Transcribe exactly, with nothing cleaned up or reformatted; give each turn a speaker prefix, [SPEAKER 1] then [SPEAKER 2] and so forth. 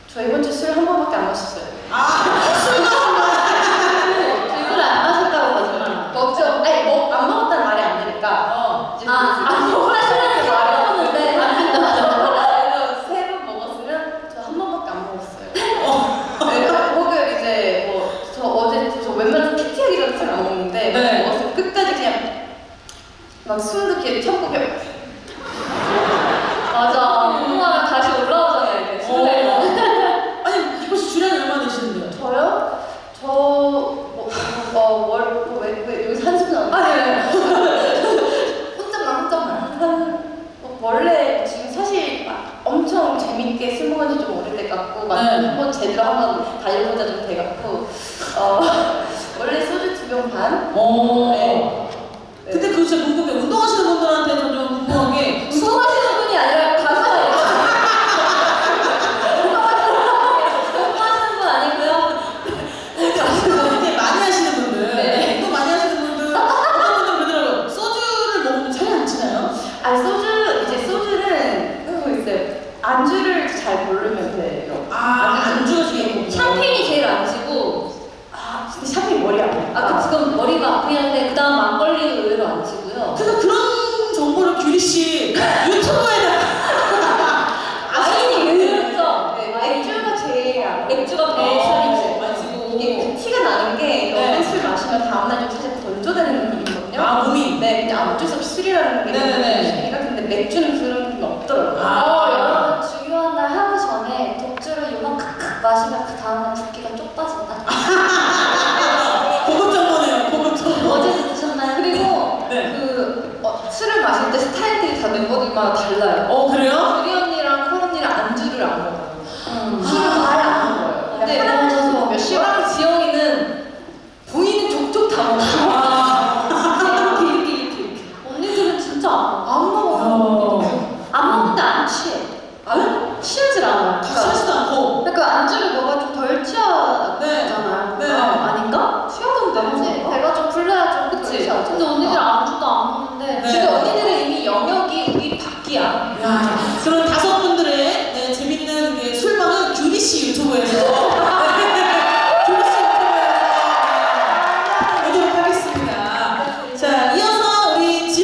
[SPEAKER 1] 저 이번 주 술 한 번밖에 안 마셨어요.
[SPEAKER 2] 아, 술도
[SPEAKER 1] 술을 안 마셨다고 거짓말. 먹죠. 아니, 뭐, 안 먹었다는 말이 안 되니까.
[SPEAKER 2] 어.
[SPEAKER 1] 이제
[SPEAKER 3] 아,
[SPEAKER 1] 그-
[SPEAKER 3] 안 먹었다는 말이 없는데 안
[SPEAKER 1] 그래서 세 번 먹었으면 저 한 번밖에 안 먹었어요. 네, 혹은 이제 뭐 저 어제 저 웬만해서 피티하기 전에 술 안 먹는데
[SPEAKER 2] 네.
[SPEAKER 1] 먹었으면 끝까지 그냥 막 숨도 이렇게 참고 그냥
[SPEAKER 3] 맞아. 운동하면 다시 올라오잖아요 이게 술에.
[SPEAKER 2] 어. 아니, 이번 주 주량이 얼마나 되시는데요?
[SPEAKER 1] 저요? 저 뭐, 어, 월, 뭐, 왜, 왜 여기서 한숨 나오는 아, 네. 혼잣말, 혼잣말. 한, 뭐, 원래 지금 사실 막 엄청 재밌게 술 먹은 지 좀 오래돼 갖고, 막
[SPEAKER 2] 네.
[SPEAKER 1] 한번 제대로 한번 달려보자 좀 돼 갖고, 어, 원래 소주 두 병 반?
[SPEAKER 2] 어.
[SPEAKER 1] 네.
[SPEAKER 2] 근데 그거 진짜 궁금해. 운동하시는 분들한테 좀 궁금한 게
[SPEAKER 3] 운동하시는 분이 아니라 가수예요. 운동하시는 분 아니고요.
[SPEAKER 2] 이렇게 많이 하시는 분들,
[SPEAKER 1] 네.
[SPEAKER 2] 운동 많이 하시는 분들, 어떤 분들 그러더라고요. 소주를 먹으면 살이 안 찌나요?
[SPEAKER 1] 아, 소주, 이제 소주는, 그거 있어요. 안주를 잘 고르면 돼요.
[SPEAKER 2] 아, 안주가 중요하고.
[SPEAKER 3] 샴페인이 제일 안 지고.
[SPEAKER 1] 아, 근데 샴페인 머리 아파.
[SPEAKER 3] 아, 그 지금 머리가 아프긴 한데 그다음 막걸리는 의외로 안 치고요.
[SPEAKER 2] 그래서 그런 정보를 규리 씨 유튜브에다가
[SPEAKER 3] 와인이 의외죠.
[SPEAKER 1] 네, 맥주가 제일 안
[SPEAKER 3] 맥주가
[SPEAKER 2] 어,
[SPEAKER 3] 베이스이지.
[SPEAKER 2] 맞지고.
[SPEAKER 1] 이게 그 티가 나는 게
[SPEAKER 2] 네.
[SPEAKER 1] 어떤 술 마시면 다음날 좀 사실 건조되는 느낌이거든요.
[SPEAKER 2] 아, 몸이.
[SPEAKER 1] 네, 그냥 어쩔 수 없이 술이라는 게
[SPEAKER 2] 네네네.
[SPEAKER 1] 술이니까. 근데 맥주는 그런 느낌이 없더라고요.
[SPEAKER 2] 아.
[SPEAKER 3] 어, 여러분 중요한 날 하루 전에 독주를 요만큼씩 마시면 그 다음날 붓기가 쪽 빠진다.
[SPEAKER 2] 고급 정보네요. 고급 정보.
[SPEAKER 3] 어제도 드셨나요? 그리고
[SPEAKER 1] 그리고
[SPEAKER 2] 네.
[SPEAKER 1] 그 어, 술을 마실 때 스타일들이 다 멤버들마다 달라요.
[SPEAKER 2] 어, 그래요?